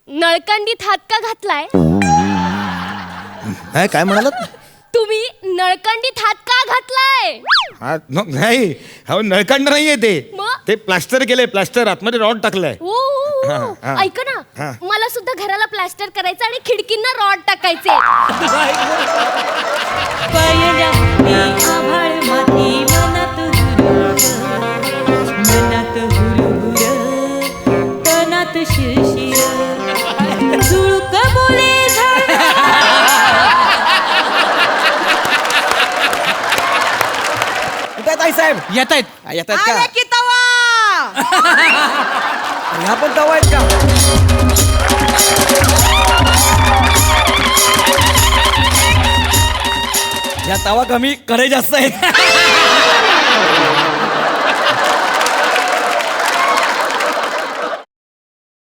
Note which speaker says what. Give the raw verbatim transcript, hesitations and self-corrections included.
Speaker 1: नळकांडीत हात का घातलाय?
Speaker 2: काय काय म्हणालात?
Speaker 1: तुम्ही नळकांडीत हात का घातलाय?
Speaker 2: हा न- नाही हो नळकांड नाहीये ते
Speaker 1: मग?
Speaker 2: ते प्लास्टर केलंय प्लास्टर आतमध्ये रॉड टाकलाय.
Speaker 1: ओ, ओ, ओ.
Speaker 2: हा, हा.
Speaker 1: ऐका ना,
Speaker 2: हा.
Speaker 1: मला सुद्धा घराला प्लास्टर करायचं आणि खिडकींना रॉड टाकायचे.
Speaker 3: पायल्या मी आभाळ माती मनात हुरहुर मनात हुरहुर तनात शिरशिर झुळक बोले झाड
Speaker 4: कुठे ताई साहेब?
Speaker 5: येत आहेत.
Speaker 4: येत आहेत
Speaker 3: आले
Speaker 4: का?
Speaker 3: की तवा
Speaker 4: ह्या पण तवा आहेत का? ह्या तवा कमी कढई जास्त आहे.